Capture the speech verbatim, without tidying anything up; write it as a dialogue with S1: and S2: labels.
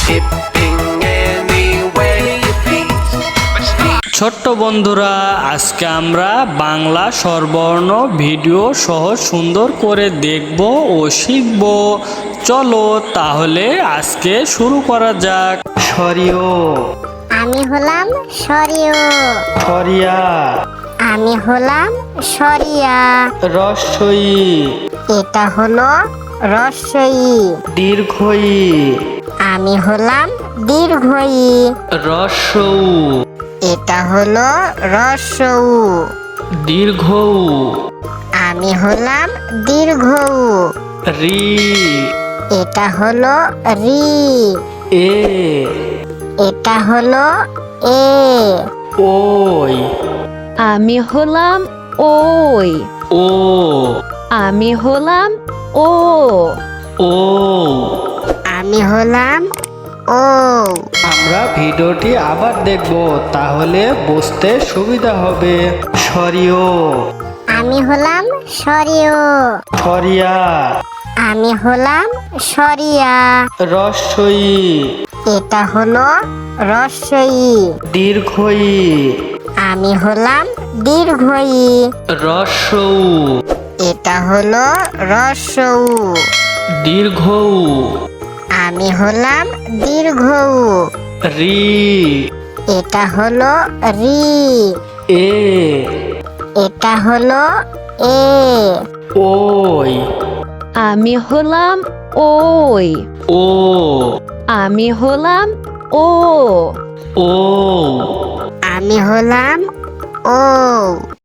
S1: Shipping any way you please.
S2: ছোট্ট বন্ধুরা, আজকে আমরা বাংলা স্বরবর্ণ ভিডিও সহ সুন্দর করে দেখব ও শিখব। চলো তাহলে আজকে শুরু করা যাক। সরিয়,
S3: আমি হলাম সরিয়।
S2: সরিয়া,
S3: আমি হলাম সরিয়া।
S2: রস্বই,
S3: এটা হলো রস্বই।
S2: দীর্ঘই,
S3: আমি হলাম দীর্ঘই।
S2: রস্বউ,
S3: এটা হলো রস্বউ।
S2: দীর্ঘউ,
S3: আমি হলাম দীর্ঘউ।
S2: রি,
S3: এটা হলো রি।
S2: এ,
S3: এটা হলো এ।
S2: ওই,
S4: আমি হলাম ওই।
S2: ও,
S4: আমি হলাম ও।
S2: ও।
S3: আমি হলাম ও।
S2: আমরা ভিডিওটি আবার দেখব, তাহলে বুঝতে সুবিধা হবে। সরিয়,
S3: আমি হলাম সরিয়।
S2: সরিয়া,
S3: আমি হলাম সরিয়া।
S2: রস্বই,
S3: এটা হলো রস্বই।
S2: দীর্ঘই,
S3: আমি হলাম দীর্ঘই।
S2: রস্বউ,
S3: এটা হলো রস্বউ।
S2: দীর্ঘউ,
S3: আমি হলাম দীর্ঘউ।
S2: রি,
S3: এটা হলো রি।
S2: এ,
S3: এটা হলো এ।
S2: ওই,
S4: আমি হলাম ওই।
S2: ও,
S4: আমি হলাম ও।
S2: ও।
S3: আমি হলাম ও।